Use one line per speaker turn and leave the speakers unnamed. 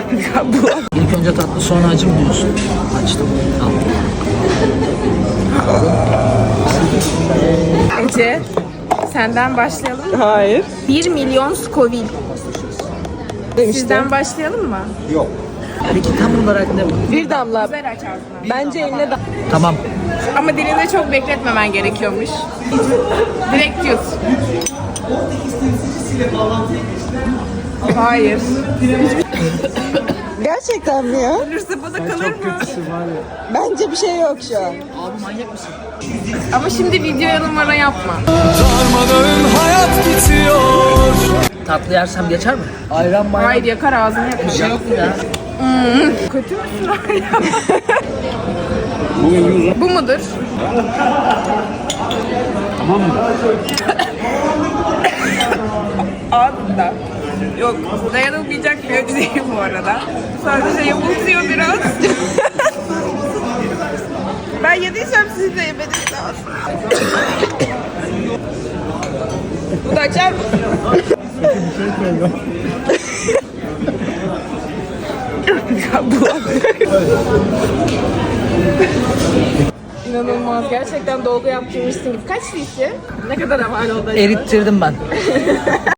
İlk önce tatlı sonra acı mı diyorsun? Açtım. Al.
Ece, senden başlayalım mı?
Hayır.
1 milyon Scoville. Sizden başlayalım mı?
Peki tam olarak ne bu?
Bir damla.
Güzel aç ağzını.
Bence eline da.
Tamam.
Ama dilinde çok bekletmemen gerekiyormuş. Direkt yut. Hayır.
Gerçekten mi ya?
Ölürse bana kalır mı?
Bence bir şey yok şu an.
Abi manyak mısın?
Ama şimdi videoya numara yapma.
Tatlı yersem geçer mi? Ayran mayran.
Hayır, yakar ağzını yakar.
Bir şey yok mu ya?
Kötü müsün hala? Bu mudur?
Tamam mı?
Ağzında. Yok, dayanılmayacak bir acı değil bu arada. Sadece yamultuyor biraz. Ben yediysem siz de yemediniz lazım. Bu da açar mısın? İnanılmaz. Gerçekten dolgu yaptırmışsın gibi. Kaç cc? Ne kadar amal oldu acaba?
Erittirdim ben.